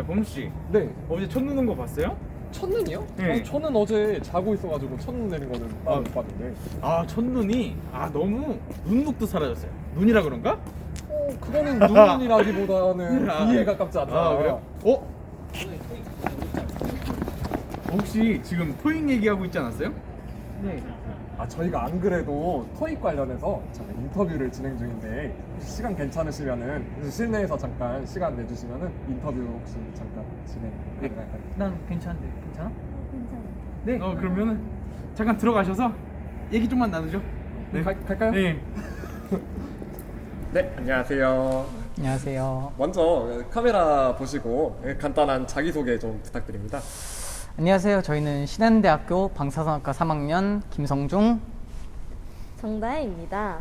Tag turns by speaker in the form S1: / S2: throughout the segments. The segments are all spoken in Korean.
S1: 범씨,
S2: 네.
S1: 어제 첫눈 온 거 봤어요?
S2: 첫눈이요?
S1: 네.
S2: 아니, 저는 어제 자고 있어가지고 첫눈 내린 거는 못 봤는데.
S1: 아, 첫눈이 너무 눈독도 사라졌어요. 눈이라 그런가?
S2: 그거는 눈이라기보다는 비에 가깝지 않나.
S1: 그래요? 혹시 지금 토익 얘기하고 있지 않았어요?
S2: 네. 저희가 안 그래도 토익 관련해서 잠깐 인터뷰를 진행 중인데 혹시 시간 괜찮으시면은 실내에서 잠깐 시간 내주시면은 인터뷰 혹시 잠깐 진행 가능할까요?
S3: 난 괜찮은데 괜찮아?
S1: 네. 그러면은 잠깐 들어가셔서 얘기 좀만 나누죠. 네.
S2: 갈까요?
S1: 네.
S2: 네, 안녕하세요.
S3: 안녕하세요.
S2: 먼저 카메라 보시고 간단한 자기소개 좀 부탁드립니다.
S3: 안녕하세요. 저희는 신한대학교 방사선학과 3학년 김성중.
S4: 정다혜입니다.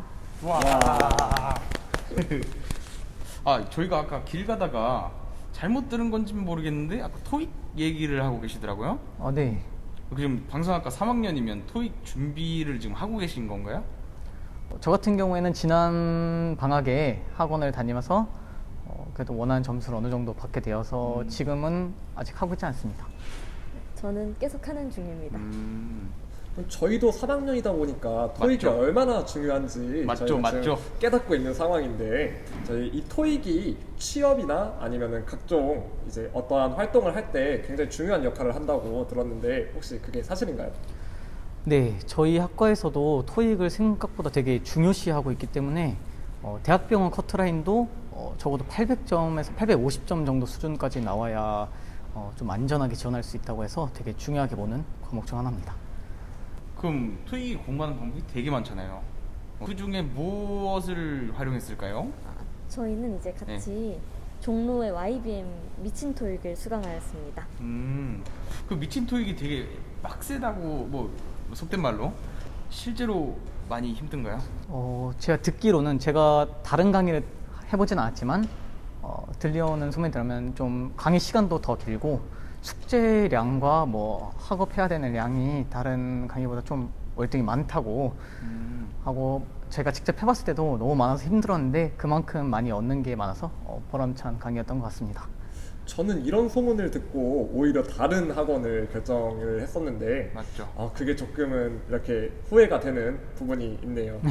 S1: 저희가 아까 길 가다가 잘못 들은 건지는 모르겠는데 아까 토익 얘기를 하고 계시더라고요.
S3: 네.
S1: 지금 방송학과 3학년이면 토익 준비를 지금 하고 계신 건가요?
S3: 저 같은 경우에는 지난 방학에 학원을 다니면서 그래도 원하는 점수를 어느 정도 받게 되어서 지금은 아직 하고 있지 않습니다.
S4: 저는 계속 하는 중입니다.
S2: 저희도 3학년이다 보니까 토익이
S1: 맞죠?
S2: 얼마나 중요한지
S1: 맞죠,
S2: 저희가
S1: 맞죠.
S2: 지금 깨닫고 있는 상황인데 저희 이 토익이 취업이나 아니면은 각종 이제 어떠한 활동을 할 때 굉장히 중요한 역할을 한다고 들었는데 혹시 그게 사실인가요?
S3: 네, 저희 학과에서도 토익을 생각보다 되게 중요시하고 있기 때문에 대학병원 커트라인도 적어도 800점에서 850점 정도 수준까지 나와야 좀 안전하게 지원할 수 있다고 해서 되게 중요하게 보는 과목 중 하나입니다.
S1: 그럼 토익 공부하는 방법이 되게 많잖아요. 그 중에 무엇을 활용했을까요?
S4: 저희는 이제 같이 종로의 YBM 미친 토익을 수강하였습니다.
S1: 그 미친 토익이 되게 빡세다고 뭐 속된 말로 실제로 많이 힘든가요?
S3: 제가 듣기로는 제가 다른 강의를 해보진 않았지만 들려오는 소문에 따르면 좀 강의 시간도 더 길고 숙제량과 뭐 학업해야 되는 양이 다른 강의보다 좀 월등히 많다고 하고 제가 직접 해봤을 때도 너무 많아서 힘들었는데 그만큼 많이 얻는 게 많아서 보람찬 강의였던 것 같습니다.
S2: 저는 이런 소문을 듣고 오히려 다른 학원을 결정을 했었는데
S1: 맞죠.
S2: 그게 조금은 이렇게 후회가 되는 부분이 있네요.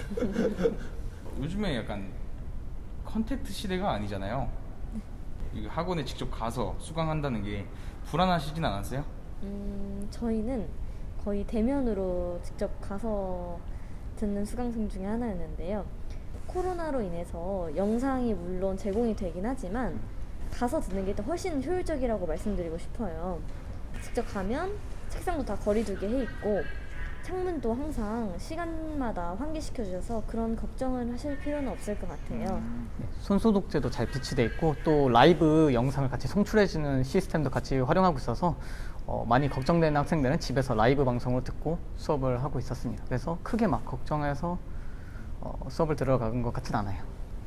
S1: 요즘에 약간 컨택트 시대가 아니잖아요. 이 학원에 직접 가서 수강한다는 게 불안하시진 않았어요?
S4: 저희는 거의 대면으로 직접 가서 듣는 수강생 중에 하나였는데요. 코로나로 인해서 영상이 물론 제공이 되긴 하지만 가서 듣는 게 훨씬 효율적이라고 말씀드리고 싶어요. 직접 가면 책상도 다 거리두기 해 있고 창문도 항상 시간마다 환기시켜 주셔서 그런 걱정을 하실 필요는 없을 것 같아요.
S3: 손소독제도 잘 비치돼 있고 또 라이브 영상을 같이 송출해주는 시스템도 같이 활용하고 있어서 많이 걱정되는 학생들은 집에서 라이브 방송으로 듣고 수업을 하고 있었습니다. 그래서 크게 막 걱정해서 수업을 들어간 것 같진 않아요.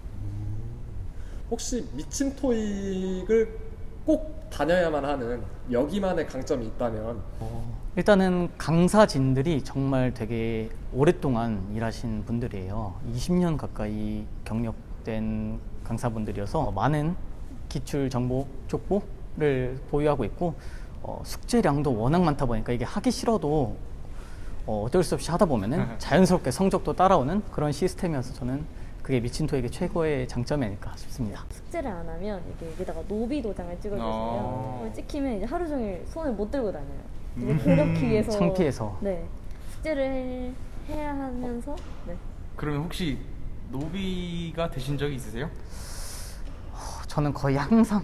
S2: 혹시 미친 토익을 꼭 다녀야만 하는 여기만의 강점이 있다면
S3: 일단은 강사진들이 정말 되게 오랫동안 일하신 분들이에요. 20년 가까이 경력된 강사분들이어서 많은 기출 정보 족보를 보유하고 있고 숙제량도 워낙 많다 보니까 이게 하기 싫어도 어쩔 수 없이 하다 보면은 자연스럽게 성적도 따라오는 그런 시스템이어서 저는 그게 미친 토익의 최고의 장점이 아닐까 싶습니다.
S4: 숙제를 안 하면 여기다가 노비 도장을 찍어주세요. 그걸 찍히면 이제 하루 종일 손을 못 들고 다녀요. 이제 그렇기 위해서
S3: 창피해서.
S4: 네, 숙제를 해야 하면서 네.
S1: 그러면 혹시 노비가 되신 적이 있으세요?
S3: 저는 거의 항상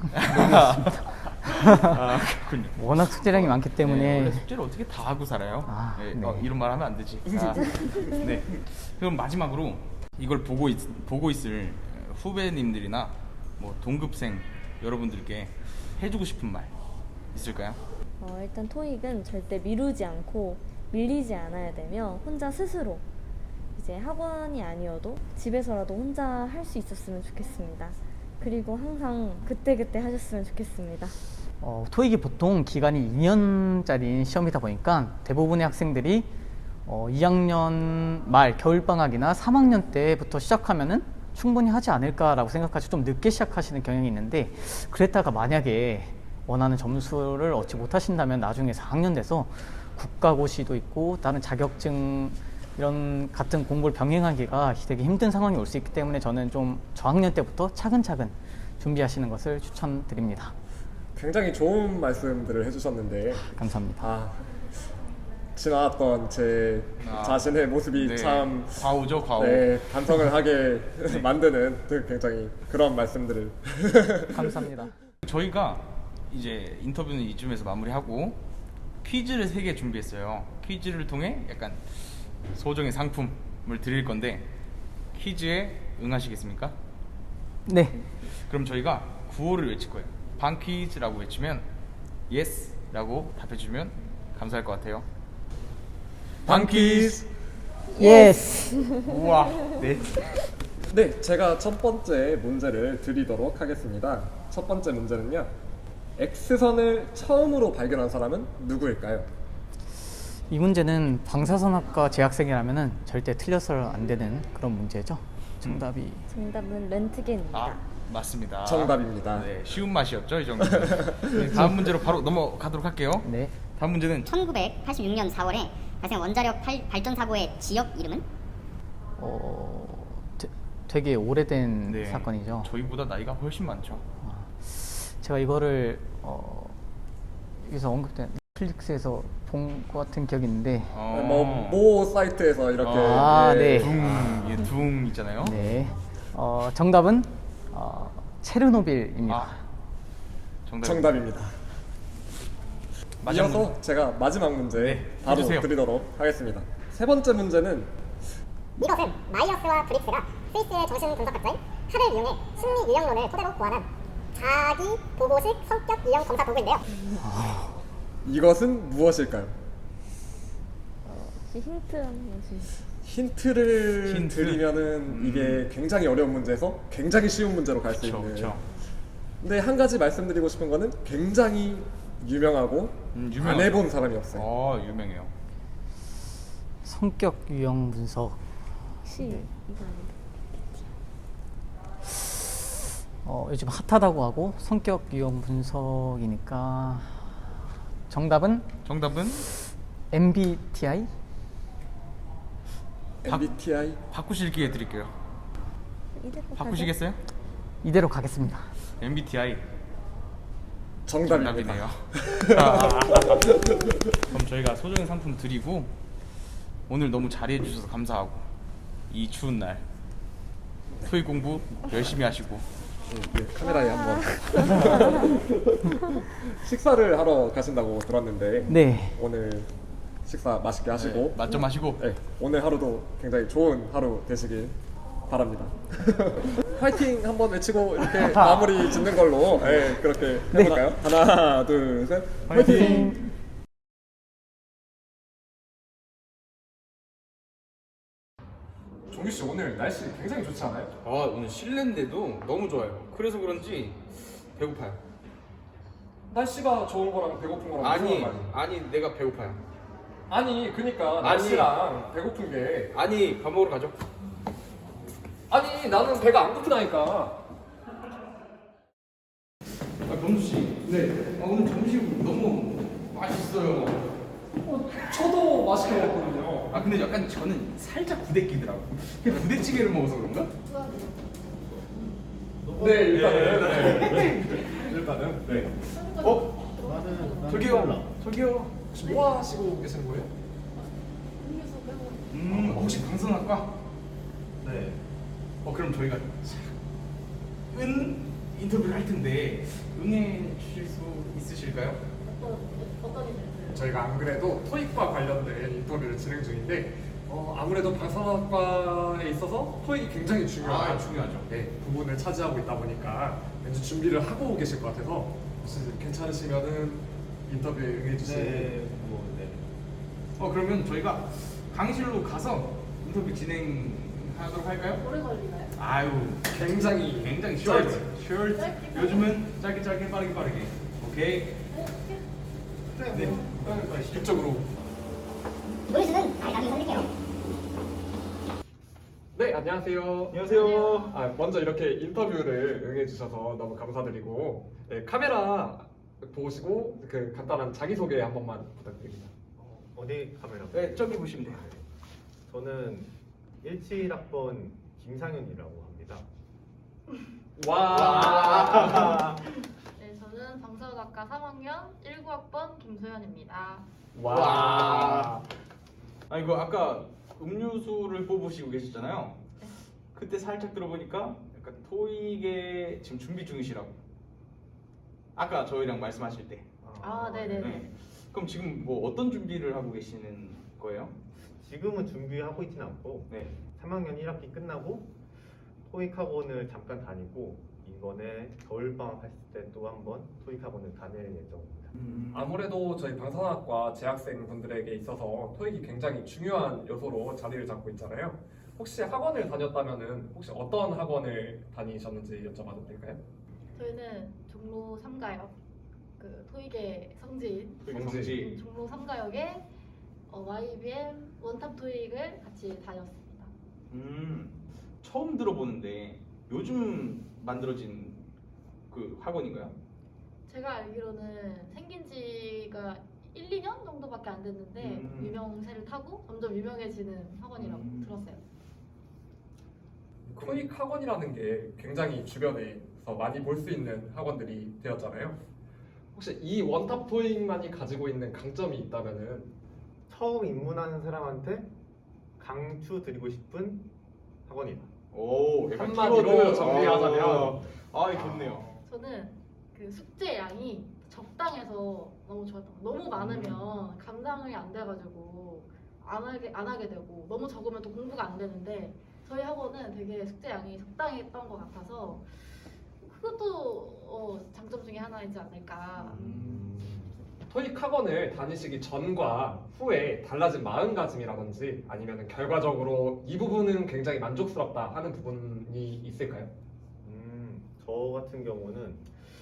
S1: 그렇군요.
S3: 워낙 숙제량이 많기 때문에
S1: 원래 숙제를 어떻게 다 하고 살아요?
S3: 네.
S1: 이런 말 하면 안 되지. 네. 그럼 마지막으로 이걸 보고 있을 후배님들이나 뭐 동급생 여러분들께 해주고 싶은 말 있을까요?
S4: 일단 토익은 절대 미루지 않고 밀리지 않아야 되며 혼자 스스로 이제 학원이 아니어도 집에서라도 혼자 할 수 있었으면 좋겠습니다. 그리고 항상 그때그때 하셨으면 좋겠습니다.
S3: 토익이 보통 기간이 2년짜리 시험이다 보니까 대부분의 학생들이 2학년 말 겨울방학이나 3학년 때부터 시작하면은 충분히 하지 않을까라고 생각하시고 좀 늦게 시작하시는 경향이 있는데, 그랬다가 만약에 원하는 점수를 얻지 못하신다면 나중에 4학년 돼서 국가고시도 있고 다른 자격증 이런 같은 공부를 병행하기가 되게 힘든 상황이 올 수 있기 때문에 저는 좀 저학년 때부터 차근차근 준비하시는 것을 추천드립니다.
S2: 굉장히 좋은 말씀들을 해주셨는데
S3: 감사합니다.
S2: 지나왔던 제 자신의 모습이
S1: 네.
S2: 참
S1: 과오죠, 과오.
S2: 반성을 하게 만드는 굉장히 그런 말씀들을
S3: 감사합니다.
S1: 저희가 이제 인터뷰는 이쯤에서 마무리하고 퀴즈를 3개 준비했어요. 퀴즈를 통해 약간 소정의 상품을 드릴 건데 퀴즈에 응하시겠습니까?
S3: 네.
S1: 그럼 저희가 구호를 외칠 거예요. 방 퀴즈라고 외치면 yes 라고 답해주면 감사할 것 같아요. 방 퀴즈.
S3: 예스.
S1: 우와. 네.
S2: 네, 제가 첫 번째 문제를 드리도록 하겠습니다. 첫 번째 문제는요, X선을 처음으로 발견한 사람은 누구일까요?
S3: 이 문제는 방사선학과 재학생이라면은 절대 틀려서는 안 되는 그런 문제죠. 정답이
S4: 정답은 렌트겐입니다.
S1: 아, 맞습니다.
S2: 정답입니다.
S1: 네, 쉬운 맛이었죠, 이 정도. 네, 다음 문제로 바로 넘어가도록 할게요.
S3: 네.
S1: 다음 문제는
S5: 1986년 4월에 발생한 원자력 발전 사고의 지역 이름은?
S3: 되게 오래된
S1: 네,
S3: 사건이죠.
S1: 저희보다 나이가 훨씬 많죠.
S3: 제가 이거를 여기서 언급된 넷플릭스에서 본 것 같은 기억이 있는데,
S2: 모 사이트에서 이렇게
S3: 네.
S1: 둥 있잖아요.
S3: 네. 정답은 체르노빌입니다.
S2: 정답입니다.
S1: 마지막
S2: 이어서 제가 마지막 문제
S1: 네,
S2: 바로
S1: 해주세요.
S2: 드리도록 하겠습니다. 세 번째 문제는
S5: 이것은 마이어스와 브릭스가 스위스의 정신 분석학자인 칼을 이용해 심리 유형론을 토대로 고안한 자기 보고식 성격 유형 검사 도구인데요.
S2: 이것은 무엇일까요?
S4: 혹시 힌트 한번 주시죠.
S2: 힌트를 드리면은 이게 굉장히 어려운 문제에서 굉장히 쉬운 문제로 갈 수 있는.
S1: 그렇죠.
S2: 근데 한 가지 말씀드리고 싶은 거는 굉장히 유명하고
S1: 유명하죠.
S2: 안 해본 사람이 없어요.
S1: 유명해요.
S3: 성격 유형 분석.
S4: 혹시 이거 아닌가?
S3: 요즘 핫하다고 하고 성격 유형 분석이니까 정답은 MBTI?
S2: MBTI
S1: 바꾸실 기회 드릴게요.
S4: 이대로
S1: 바꾸시겠어요?
S3: 이대로 가겠습니다.
S1: MBTI
S2: 정답입니다.
S1: 정답이네요. 그럼 저희가 소정의 상품 드리고 오늘 너무 잘해 주셔서 감사하고 이 추운 날 토익 공부 열심히 하시고
S2: 네, 카메라에 한번 식사를 하러 가신다고 들었는데
S3: 네.
S2: 오늘 식사 맛있게 하시고
S1: 맛 좀 하시고
S2: 네, 오늘 하루도 굉장히 좋은 하루 되시길 바랍니다. 파이팅 한번 외치고 이렇게 마무리 짓는 걸로 그렇게 해볼까요? 하나, 둘, 셋, 파이팅! 종규 씨 오늘 날씨 굉장히 좋지 않아요?
S1: 오늘 실내인데도 너무 좋아요. 그래서 그런지 배고파요.
S2: 날씨가 좋은 거랑 배고픈 거랑 무슨 상관이?
S1: 아니 내가 배고파요.
S2: 아니 그니까 날씨랑 배고픈 게
S1: 아니 밥 먹으러 가죠.
S2: 아니 나는 배가 안 고프다니까.
S1: 범수 씨. 네. 오늘 점심 너무 맛있어요.
S2: 저도 맛있게 먹었거든요.
S1: 근데 약간 저는 살짝 부대끼더라고. 그냥 부대찌개를 먹어서 그런가?
S2: 네 일단은 네.
S1: 저기요.
S2: 혹시 뭐 하시고 계시는 거예요?
S1: 혹시 방송학과? 네. 그럼 저희가 인터뷰를 할 텐데 응해 주실 수 있으실까요?
S2: 저희가 안 그래도 토익과 관련된 인터뷰를 진행 중인데 아무래도 방송학과에 있어서 토익이 굉장히 중요한
S1: 중요하죠.
S2: 부분을 차지하고 있다 보니까 왠지 준비를 하고 계실 것 같아서 혹시 괜찮으시면은 인터뷰에 응해 주실
S1: 그러면 저희가 강의실로 가서 인터뷰 진행하도록 할까요?
S6: 오래 걸리나요?
S1: 아유,
S2: 굉장히
S1: 셔츠. 요즘은 짧게 빠르게. 오케이. 네.
S2: 이쪽으로
S5: 노래수는 아예 나중에 선택해요.
S2: 네 안녕하세요.
S1: 안녕하세요.
S2: 먼저 이렇게 인터뷰를 응해주셔서 너무 감사드리고 네, 카메라 보시고 그 간단한 자기소개 한 번만 부탁드립니다.
S6: 어디 카메라?
S1: 네, 저기 보시면 돼요.
S6: 저는 17학번 김상윤이라고 합니다.
S2: 와.
S7: 네, 저는 방사학과 3학년 19학번 김소연입니다.
S2: 와.
S1: 아 이거 아까 음료수를 뽑으시고 계셨잖아요. 그때 살짝 들어보니까 약간 토익에 지금 준비 중이시라고. 아까 저희랑 말씀하실 때.
S7: 네네네.
S1: 네. 그럼 지금 뭐 어떤 준비를 하고 계시는 거예요?
S6: 지금은 준비하고 있진 않고
S1: 네.
S6: 3학년 1학기 끝나고 토익 학원을 잠깐 다니고 이번에 겨울방학 했을 때 또 한번 토익 학원을 다닐 예정입니다.
S2: 아무래도 저희 방산학과 재학생 분들에게 있어서 토익이 굉장히 중요한 요소로 자리를 잡고 있잖아요. 혹시 학원을 다녔다면은 혹시 어떤 학원을 다니셨는지 여쭤봐도 될까요?
S7: 저희는 종로 3가역 그 토익의 성지인
S1: 토익 성지.
S7: 종로 3가역에 YBM 원탑 토익을 같이 다녔습니다.
S1: 처음 들어보는데 요즘 만들어진 그 학원인가요?
S7: 제가 알기로는 생긴 지가 1, 2년 정도밖에 안 됐는데 유명세를 타고 점점 유명해지는 학원이라고 들었어요.
S2: 토익 학원이라는 게 굉장히 주변에서 많이 볼 수 있는 학원들이 되었잖아요. 혹시 이 원탑 토익만이 가지고 있는 강점이 있다면은
S6: 처음 입문하는 사람한테 강추드리고 싶은 학원이다.
S1: 오, 약간
S2: 한마디로
S1: 키워드.
S2: 정리하자면.
S1: 좋네요.
S7: 저는 그 숙제 양이 적당해서 너무 좋았던 거. 너무 많으면 감당이 안 돼가지고 안 하게 되고 너무 적으면 또 공부가 안 되는데 저희 학원은 되게 숙제 양이 적당했던 것 같아서 그것도 장점 중에 하나이지 않을까.
S2: 토익 학원을 다니시기 전과 후에 달라진 마음가짐이라든지 아니면 결과적으로 이 부분은 굉장히 만족스럽다 하는 부분이 있을까요?
S6: 저 같은 경우는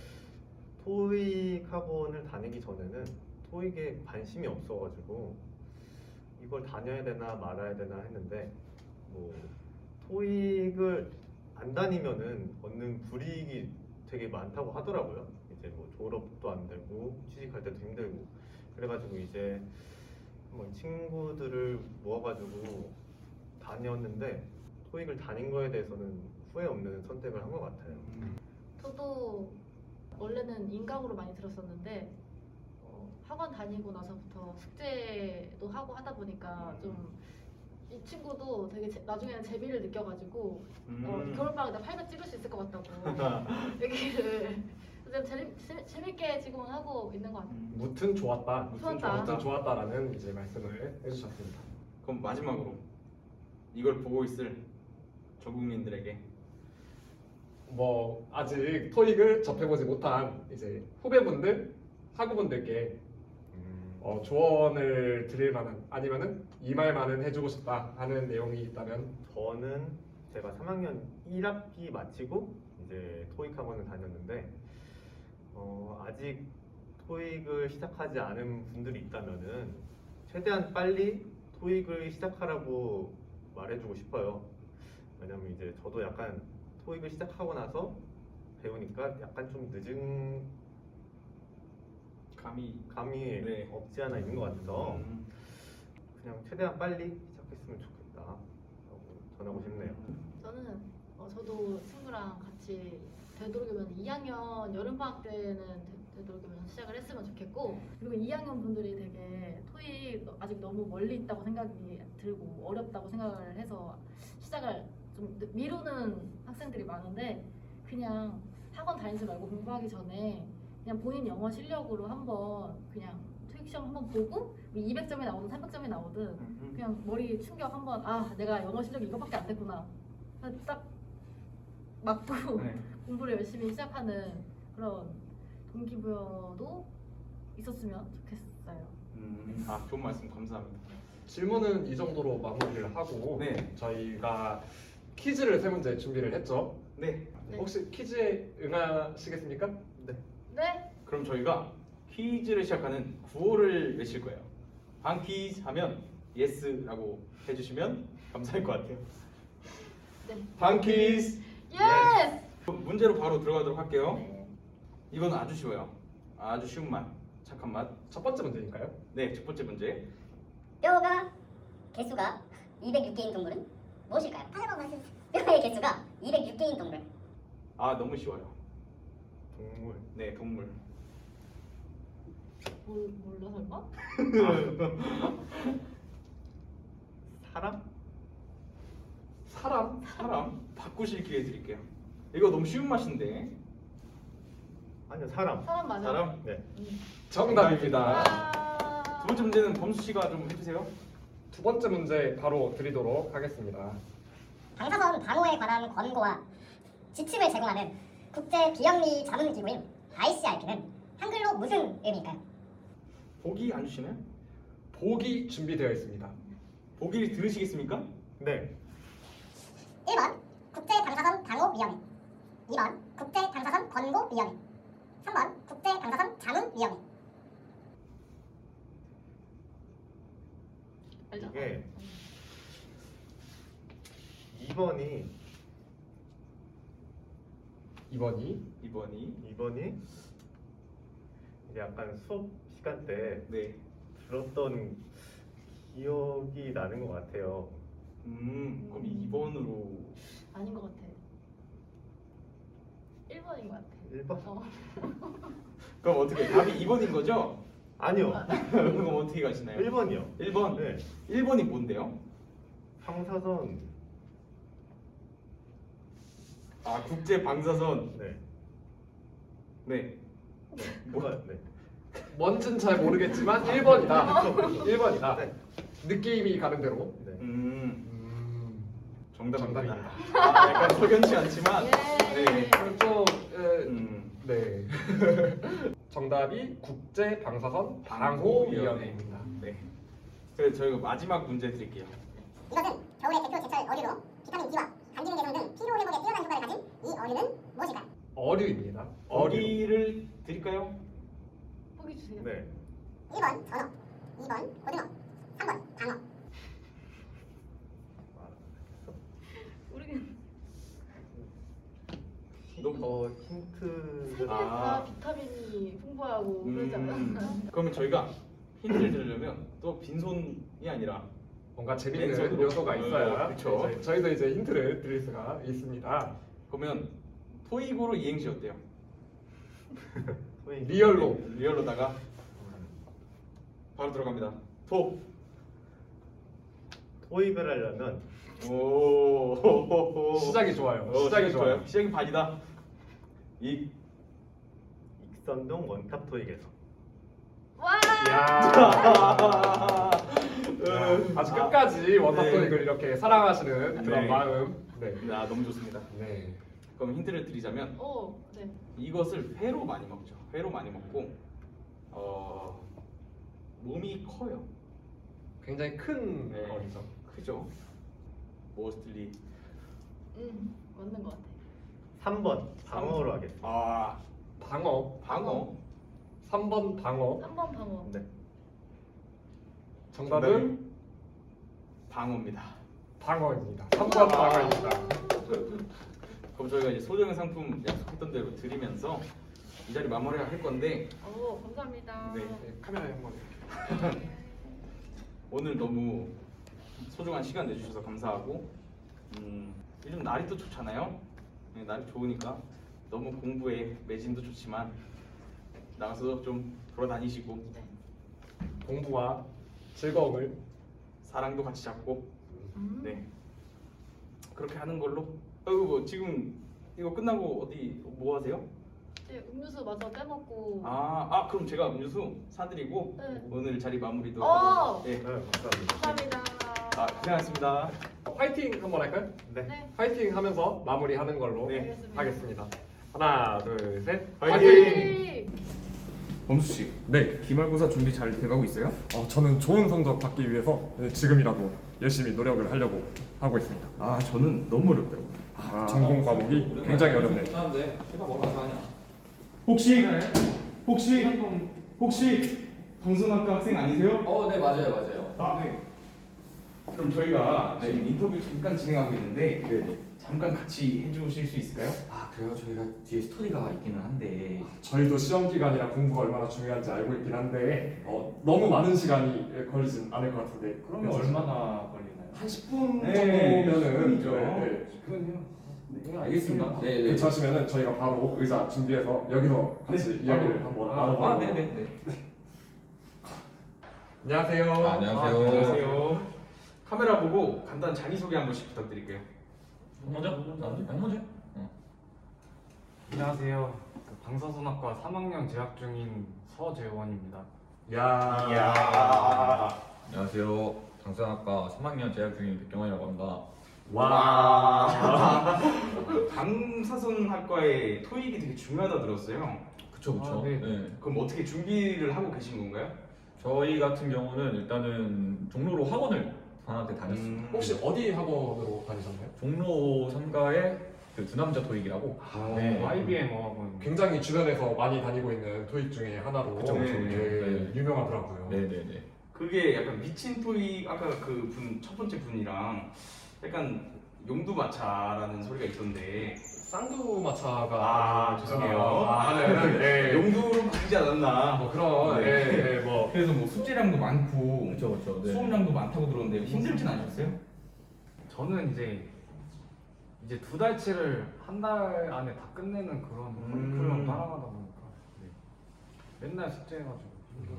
S6: 토익 학원을 다니기 전에는 토익에 관심이 없어가지고 이걸 다녀야 되나 말아야 되나 했는데 뭐 토익을 안 다니면은 얻는 불이익이 되게 많다고 하더라고요. 이제 뭐 졸업도 안 되고 취직할 때도 힘들고 그래가지고 이제 한번 친구들을 모아가지고 다녔는데 토익을 다닌 거에 대해서는 후회 없는 선택을 한 것 같아요.
S7: 저도 원래는 인강으로 많이 들었었는데 학원 다니고 나서부터 숙제도 하고 하다 보니까 좀 이 친구도 되게 나중에는 재미를 느껴가지고 겨울방학에 나 800 찍을 수 있을 것 같다고 얘기를 재밌게 지금은 하고 있는 것 같아요.
S2: 무튼 좋았다.
S7: 좋았다.
S2: 무튼 좋았다라는 이제 말씀을 해주셨습니다.
S1: 그럼 마지막으로 이걸 보고 있을 전 국민들에게
S2: 뭐 아직 토익을 접해보지 못한 이제 후배분들, 학우분들께 조언을 드릴 만한 아니면은 이 말만은 해주고 싶다 하는 내용이 있다면
S6: 저는 제가 3학년 1학기 마치고 이제 토익 학원을 다녔는데 아직 토익을 시작하지 않은 분들이 있다면은 최대한 빨리 토익을 시작하라고 말해주고 싶어요. 왜냐면 이제 저도 약간 토익을 시작하고 나서 배우니까 약간 좀 늦은 감이
S1: 네.
S6: 없지 않아 있는 것 같아서 그냥 최대한 빨리 시작했으면 좋겠다라고 전하고 싶네요.
S7: 저는 저도 친구랑 같이 되도록이면 2학년 여름방학 때는 되도록이면 시작을 했으면 좋겠고 그리고 2학년 분들이 되게 토익 아직 너무 멀리 있다고 생각이 들고 어렵다고 생각을 해서 시작을 좀 미루는 학생들이 많은데 그냥 학원 다니지 말고 공부하기 전에 그냥 본인 영어 실력으로 한번 그냥 토익 시험 한번 보고 200점이 나오든 300점이 나오든 그냥 머리 충격 한번 내가 영어 실력이 이거밖에 안 됐구나 딱 맞고
S1: 네.
S7: 공부를 열심히 시작하는 그런 동기부여도 있었으면 좋겠어요.
S1: 좋은 말씀 감사합니다.
S2: 질문은 이 정도로 마무리를 하고
S1: 네.
S2: 저희가 퀴즈를 세 문제 준비를 했죠.
S1: 네.
S7: 네.
S2: 혹시 퀴즈에 응하시겠습니까?
S6: 네.
S7: 네.
S1: 그럼 저희가 퀴즈를 시작하는 구호를 외칠 거예요. 방 퀴즈 하면 예스라고 해주시면 감사할 것 같아요.
S7: 네.
S1: 다음 퀴즈.
S7: 예스!
S1: 문제로 바로 들어가도록 할게요.
S7: 네.
S1: 이건 아주 쉬워요. 아주 쉬운 맛, 착한 맛.
S2: 첫 번째 문제니까요.
S1: 네, 첫 번째 문제.
S5: 뼈가 개수가 206개인 동물은 무엇일까요? 뼈의 개수가 206개인 동물.
S1: 아, 너무 쉬워요.
S6: 동물.
S1: 네, 동물.
S7: 몰라 설마?
S6: 사람?
S1: 사람 바꾸실 기회 드릴게요. 이거 너무 쉬운 맛인데.
S6: 아니요, 사람.
S7: 사람 맞아요.
S1: 사람?
S6: 네.
S2: 정답입니다.
S1: 두 번째 문제는 범수 씨가 좀 해주세요.
S2: 두 번째 문제 바로 드리도록 하겠습니다.
S5: 방사선 방호에 관한 권고와 지침을 제공하는 국제 비영리 자문 기구인 ICRP는 한글로 무슨 의미일까요?
S1: 보기 안 주시나요?
S2: 보기 준비되어 있습니다.
S1: 보기 들으시겠습니까?
S6: 네.
S5: 1번 국제 방사선 방호위원회, 2번 국제 방사선 권고위원회, 3번 국제 방사선 자문위원회.
S7: 알죠?
S6: 이게 2번이
S2: 2번이
S6: 이제 약간 수업 시간 때
S1: 네.
S6: 들었던 기억이 나는 것 같아요.
S1: 그럼 2번으로.
S7: 아닌 것 같아. 1번인 것 같아.
S6: 1번?
S1: 그럼 어떻게 답이 2번인 거죠?
S6: 아니요.
S1: 그럼 어떻게 가시나요?
S6: 1번이요.
S1: 1번.
S6: 네.
S1: 1번이 뭔데요?
S6: 방사선.
S1: 아, 국제 방사선.
S6: 네.
S1: 네.
S6: 뭐가? 네.
S2: 뭔진 잘 모르겠지만 1번이다. 1번이다.
S6: 네.
S2: 느낌이 가는 대로.
S6: 네.
S1: 정답입니다.
S2: 정답입니다.
S1: 아, 약간 석연치 않지만.
S7: 예.
S1: 네.
S2: 좀
S1: 음.
S2: 네. 정답이 국제 방사선 방호위원회입니다.
S1: 네. 그래서 저희가 마지막 문제 드릴게요.
S5: 이것은 겨울의 대표 제철 어류로 비타민 D와 간기능 개선 등 피로 회복에 뛰어난 효과를 가진 이 어류는 무엇일까요?
S2: 어류입니다.
S1: 어기를 드릴까요?
S7: 보기 주세요.
S6: 네.
S5: 1번 전어, 2번 고등어, 3번 방어.
S7: 모르겠네.
S6: 힌트를
S7: 세계에서 비타민이 풍부하고 그러지 않나?
S1: 그러면 저희가 힌트를 드리려면 또 빈손이 아니라
S2: 뭔가 재밌는
S1: 왼손으로.
S2: 요소가 있어야
S1: 그쵸.
S2: 네, 저희도 이제 힌트를 드릴 수가 있습니다.
S1: 그러면 토익으로 이행시 어때요?
S2: 리얼로다가
S1: 바로 들어갑니다. 토.
S6: 토익을 하려면
S1: 오.
S2: 시작이 좋아요.
S1: 시작이 좋아요. 시작이 반이다.
S6: 익선동 원탑 토익에서
S7: 와!
S2: 이야. 아주 끝까지 원탑토익을
S1: 네.
S2: 이렇게 사랑하시는 그런
S1: 네.
S2: 마음. 네.
S1: 아, 너무 좋습니다.
S2: 네.
S1: 그럼 힌트를 드리자면
S7: 오, 네.
S1: 이것을 회로 많이 먹죠. 회로 많이 먹고 몸이 커요.
S2: 굉장히 큰
S1: 네.
S2: 거리죠.
S1: 크죠. 모스틀리.
S7: 맞는 것 같아.
S6: 3번 방어로 하겠습니다.
S1: 아,
S2: 방어.
S1: 방어.
S2: 3번 방어.
S7: 3번 방어.
S6: 네.
S2: 정답은
S1: 방어입니다.
S2: 방어입니다. 3번 방어입니다.
S1: 그럼 저희가 이제 소정의 상품 약속했던 대로 드리면서 이 자리 마무리할 건데
S7: 오, 감사합니다.
S1: 네.
S2: 네, 카메라에 한번.
S1: 오늘 너무 소중한 시간 내주셔서 감사하고 요즘 날이 또 좋잖아요. 네, 날이 좋으니까 너무 공부에 매진도 좋지만 나가서 좀 돌아다니시고
S2: 공부와 즐거움을.
S1: 사랑도 같이 잡고
S7: 음.
S1: 네 그렇게 하는 걸로. 뭐 지금 이거 끝나고 어디 뭐 하세요?
S7: 네, 음료수 마저 빼먹고.
S1: 그럼 제가 음료수 사드리고
S7: 네.
S1: 오늘 자리 마무리도
S7: 오!
S1: 네.
S6: 네, 감사합니다.
S7: 감사합니다.
S1: 고생하셨습니다.
S2: 파이팅 한번 할까요?
S6: 네.
S7: 네.
S2: 파이팅 하면서 마무리하는 걸로
S1: 네.
S2: 하겠습니다. 하나, 둘, 셋.
S1: 파이팅! 범수 씨,
S2: 네.
S1: 기말고사 준비 잘 돼가고 있어요?
S2: 저는 좋은 성적 받기 위해서 지금이라도 열심히 노력을 하려고 하고 있습니다.
S1: 아, 저는 너무 어렵더라고요.
S2: 전공 과목이 굉장히 어렵네요.
S1: 혹시 방송학과 학생 아니세요?
S8: 네 맞아요.
S1: 아, 네. 그럼 저희가 지금 인터뷰 잠깐 진행하고 있는데 잠깐 같이 해주실 수 있을까요?
S8: 아 그래요? 저희가 뒤에 스토리가 있기는 한데
S2: 저희도 시험 기간이라 공부가 얼마나 중요한지 알고 있긴 한데 너무 많은 시간이 걸리진 않을 것 같은데
S1: 그러면
S2: 그래서
S1: 얼마나 걸리나요?
S2: 한 10분
S1: 네,
S2: 정도면은
S1: 10분이죠.
S2: 그건요.
S8: 네, 알겠습니다. 네, 네.
S2: 괜찮으시면은 저희가 바로 의자 준비해서 여기서 같이 이야기를 한번 나눠보도록.
S8: 네네네.
S2: 안녕하세요.
S8: 안녕하세요.
S1: 안녕하세요. 카메라 보고 간단 자기소개 한 번씩 부탁드릴게요.
S8: 먼저? 먼저?
S9: 안녕하세요. 방사선학과 3학년 재학 중인 서재원입니다.
S2: 야.
S8: 안녕하세요. 방사선학과 3학년 재학 중인 백경환이라고 합니다.
S2: 와.
S1: 방사선학과의 토익이 되게 중요하다 들었어요.
S8: 그쵸.
S9: 아, 네.
S8: 네.
S1: 그럼 어떻게 준비를 하고 계신 건가요?
S8: 저희 같은 경우는 일단은 종로로 학원을 방학 때 다녔습니다.
S2: 혹시 어디 학원으로 다니셨나요?
S8: 종로 3가의 그 두남자 토익이라고. 네.
S9: IBM 어학원.
S2: 굉장히 주변에서 많이 다니고 있는 토익 중에 하나로
S8: 그쵸. 네.
S2: 유명하더라고요.
S8: 네네네.
S1: 그게 약간 미친 토익 아까 그 분 첫 번째 분이랑 약간 용두마차라는 소리가 있던데
S2: 쌍두마차가
S1: 죄송해요.
S2: 네.
S1: 용두로 바뀌지 않았나?
S2: 뭐 그런
S1: 네.
S2: 뭐
S1: 그래서 뭐 숙제량도 많고
S8: 그쵸. 네.
S1: 수업량도 많다고 들었는데 힘들진 않으셨어요?
S9: 저는 이제 2달치를 한 달 안에 다 끝내는 그런 커리큘럼 따라가다 보니까 맨날 숙제해가지고.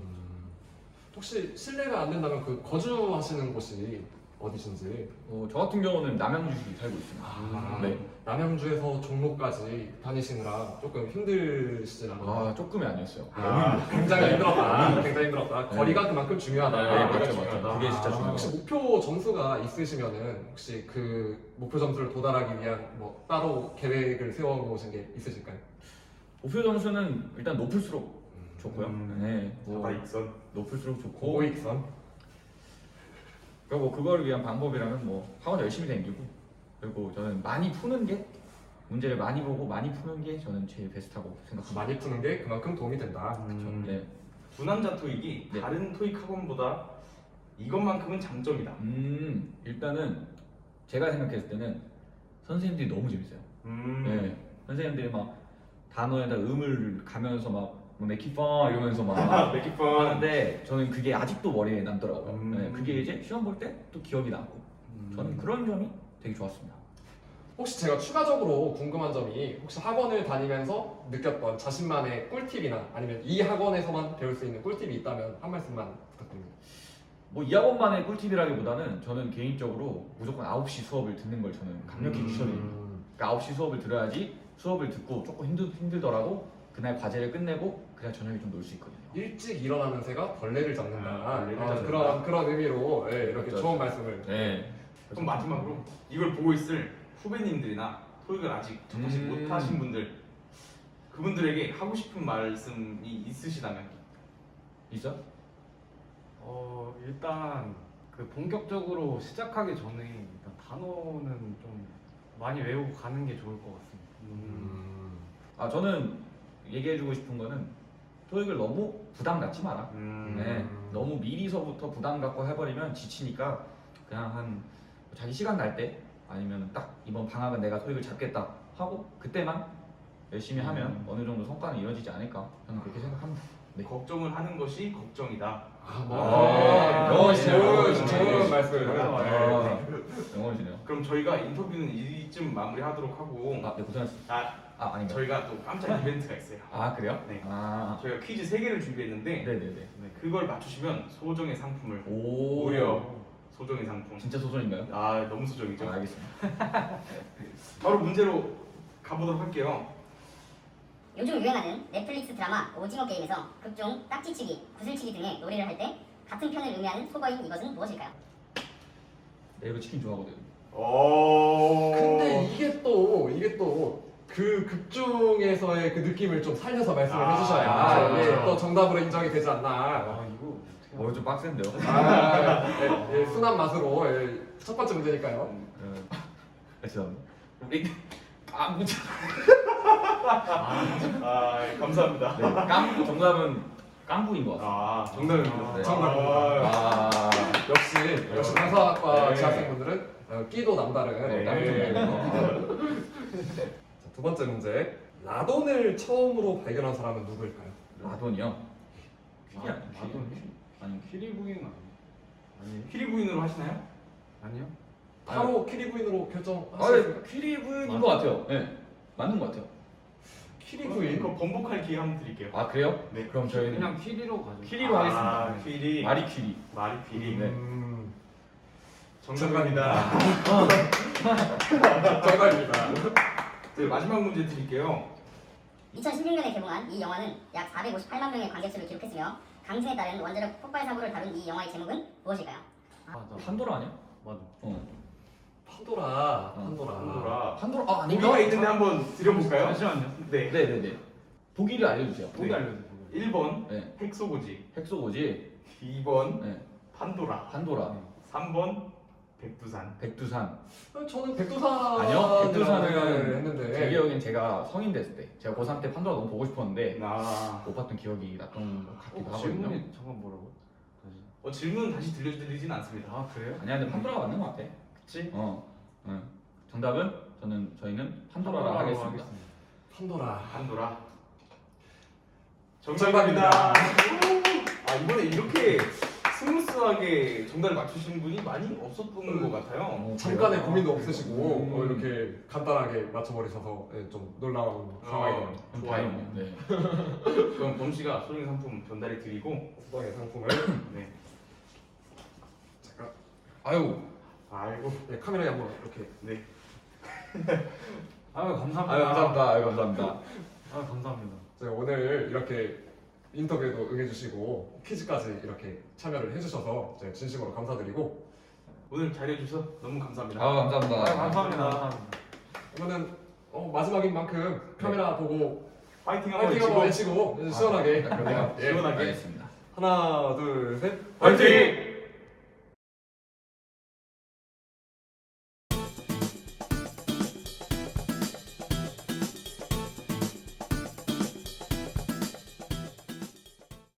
S2: 혹시 실례가 안 된다면 그 거주하시는 곳이 어디신지?
S8: 저 같은 경우는 남양주시 살고 있습니다. 네.
S2: 남양주에서 종로까지 다니시느라 조금 힘드시진 않나요?
S8: 조금이 아니었어요.
S2: 굉장히 힘들었다. 굉장히 힘들었다.
S8: 네.
S2: 거리가 그만큼 중요하다.
S8: 네,
S2: 거리가
S8: 맞죠.
S2: 중요하다.
S8: 그게 진짜 중요하다.
S2: 혹시 목표 점수가 있으시면은 혹시 그 목표 점수를 도달하기 위한 뭐 따로 계획을 세워놓으신 게 있으실까요?
S8: 목표 점수는 일단 높을수록 좋고요. 네.
S1: 다익선
S8: 높을수록 좋고.
S2: 고익선.
S8: 그리고 뭐 그걸 위한 방법이라면 뭐 학원 열심히 다니고 그리고 저는 많이 푸는 게 문제를 많이 보고 많이 푸는 게 저는 제일 베스트하고 생각합니다.
S2: 많이 푸는 게 그만큼 도움이 된다.
S8: 네.
S1: 두남자 토익이
S8: 네.
S1: 다른 토익 학원보다 이것만큼은 장점이다.
S8: 일단은 제가 생각했을 때는 선생님들이 너무 재밌어요. 네. 선생님들이 막 단어에다 음을 가면서 막 맥키펑 이러면서 막
S1: 맥키펑.
S8: 하는데 저는 그게 아직도 머리에 남더라고요.
S1: 음.
S8: 네. 그게 이제 시험 볼 때 또 기억이 남고 저는 그런 점이 되게 좋았습니다.
S2: 혹시 제가 추가적으로 궁금한 점이 혹시 학원을 다니면서 느꼈던 자신만의 꿀팁이나 아니면 이 학원에서만 배울 수 있는 꿀팁이 있다면 한 말씀만 부탁드립니다.
S8: 뭐 이 학원만의 꿀팁이라기보다는 저는 개인적으로 무조건 9시 수업을 듣는 걸 저는 강력히 추천드립니다. 그러니까 9시 수업을 들어야지 수업을 듣고 조금 힘들더라도 그날 과제를 끝내고 그냥 저녁에 좀 놀 수 있거든요.
S2: 일찍 일어나는 새가 벌레를 잡는다.
S1: 벌레를 잡는다.
S2: 그런 의미로 이렇게
S8: 그렇죠.
S2: 좋은 말씀을.
S8: 네.
S1: 그럼 마지막으로 이걸 보고 있을 후배님들이나 토익을 아직 접하지 못하신 분들 그분들에게 하고 싶은 말씀이 있으시다면
S8: 있어?
S9: 일단 그 본격적으로 시작하기 전에 일단 단어는 좀 많이 외우고 가는 게 좋을 것 같습니다.
S8: 저는 얘기해주고 싶은 거는 토익을 너무 부담 갖지 마라. 네. 너무 미리서부터 부담 갖고 해버리면 지치니까 그냥 한 자기 시간 날 때 아니면 딱 이번 방학은 내가 토익을 잡겠다 하고 그때만 열심히 하면 어느 정도 성과는 이루어지지 않을까 저는 그렇게 생각합니다. 네.
S1: 걱정을 하는 것이 걱정이다.
S8: 영어시네요.
S2: 좋은 말씀을.
S8: 영어시네요.
S1: 그럼 저희가 인터뷰는 이쯤 마무리하도록 하고
S8: 네, 고생하셨습니다.
S1: 아닌가? 저희가 또 깜짝 이벤트가 있어요.
S8: 그래요?
S1: 네.
S8: 네.
S1: 저희가 퀴즈 3개를 준비했는데
S8: 네네네.
S1: 그걸 맞추시면 소정의 상품을
S8: 오.
S1: 무려 소정의 상품.
S8: 진짜 소설인가요?
S1: 너무 소정이죠.
S8: 알겠습니다.
S1: 바로 문제로 가보도록 할게요.
S5: 요즘 유행하는 넷플릭스 드라마 오징어 게임에서 극중 딱지치기, 구슬치기 등의 놀이를 할 때 같은 편을 의미하는 속어인 이것은 무엇일까요?
S8: 네, 이거 치킨 좋아하거든.
S2: 근데 이게 또 그 극중에서의 그 느낌을 좀 살려서 말씀을 해주셔야 이게 또 정답으로 인정이 되지 않나.
S8: 이거 좀 빡센데요?
S2: 순한 맛으로 첫 번째 문제니까요.
S8: 죄송합니다.
S1: 우리 감사합니다.
S8: 네, 정답은 깡부인 것 같습니다.
S1: 아, 정답입니다.
S8: 네.
S2: 정답입니다.
S8: 아,
S2: 역시 강사학과
S1: 네.
S2: 재학생분들은 끼도 남다른
S1: 네.
S2: 깡통이에요. 자, 두 번째 문제. 라돈을 처음으로 발견한 사람은 누구일까요?
S8: 라돈이요? 퀴리 아니에요?
S9: 라돈이?
S8: 아니
S9: 키리 부인 아니에요?
S1: 퀴리 부인으로 하시나요?
S9: 아니요?
S2: 바로 키리 부인으로
S8: 아,
S2: 결정하시겠어요?
S8: 네, 퀴리 부인인 것 같아요. 네, 맞는 것 같아요.
S2: 키리 부인.
S1: 그럼 번복할 기회 한번 드릴게요.
S8: 아 그래요?
S1: 네.
S8: 그럼 저희는
S9: 그냥 키리로 가죠.
S8: 퀴리로 하겠습니다.
S1: 아, 퀴리.
S8: 마리 퀴리.
S1: 마리 퀴리.
S8: 네.
S1: 정답입니다.
S2: 정답입니다.
S1: 네, 마지막 문제 드릴게요.
S5: 2016년에 개봉한 이 영화는 약 458만 명의 관객수를 기록했으며 강진에 따른 원자력 폭발 사고를 다룬 이 영화의 제목은 무엇일까요?
S9: 맞아.
S8: 판도라 아니야?
S9: 맞아.
S2: 판도라.
S1: 판도라.
S8: 판도라 아
S1: 보기가 있는데 한번 드려볼까요?
S9: 잠시만요.
S1: 네.
S8: 네네네. 보기를 알려주세요.
S9: 보기 알려주세요.
S1: 1번
S8: 네.
S1: 헥소고지,
S8: 헥소고지.
S1: 2번
S8: 네.
S1: 판도라,
S8: 판도라.
S1: 3번 백두산.
S8: 백두산.
S2: 저는 백두산
S8: 아니요.
S2: 생각을
S8: 백두산은
S2: 했는데
S8: 제 기억엔 제가 성인 됐을 때 제가 고3 때 판도라 너무 보고 싶었는데
S1: 아.
S8: 못 봤던 기억이 났던 것 같기도 하거든요.
S9: 질문이 잠깐 뭐라고? 다시.
S1: 질문 다시 들려드리진 않습니다.
S9: 아 그래요?
S8: 아니야 근데 판도라가 맞는 것 같아.
S1: 그치?
S8: 응. 정답은 저희는 판도라라 하겠습니다.
S2: 판도라.
S1: 판도라.
S2: 정답입니다.
S1: 아, 이번에 이렇게 스무스하게 정답을 맞추신 분이 많이 없었던 것 같아요.
S2: 잠깐의 고민도 없으시고 이렇게 간단하게 맞춰버리셔서 좀 놀라운 상황이네요.
S1: 좋아요.
S8: 네.
S1: 그럼 범 씨가 소정의 상품 전달해 드리고,
S2: 수당의 상품을
S1: 네.
S2: 잠깐
S8: 아유.
S1: 아이고.
S2: 네, 카메라에 한번 이렇게.
S1: 네.
S9: 아유 감사합니다.
S8: 아유 감사합니다. 아유 감사합니다.
S9: 아유 감사합니다.
S2: 제가 오늘 이렇게 인터뷰에도 응해주시고 퀴즈까지 이렇게 참여를 해주셔서 제가 진심으로 감사드리고
S1: 오늘 잘해주셔서 너무 감사합니다.
S8: 아 감사합니다.
S9: 아유 감사합니다.
S2: 그러면 마지막인 만큼 카메라 보고
S1: 파이팅 한번
S2: 파이팅 한번
S1: 외치고.
S2: 외치고 시원하게
S8: 그러면
S2: 예.
S1: 시원하게.
S8: 알겠습니다.
S2: 하나 둘 셋
S1: 파이팅!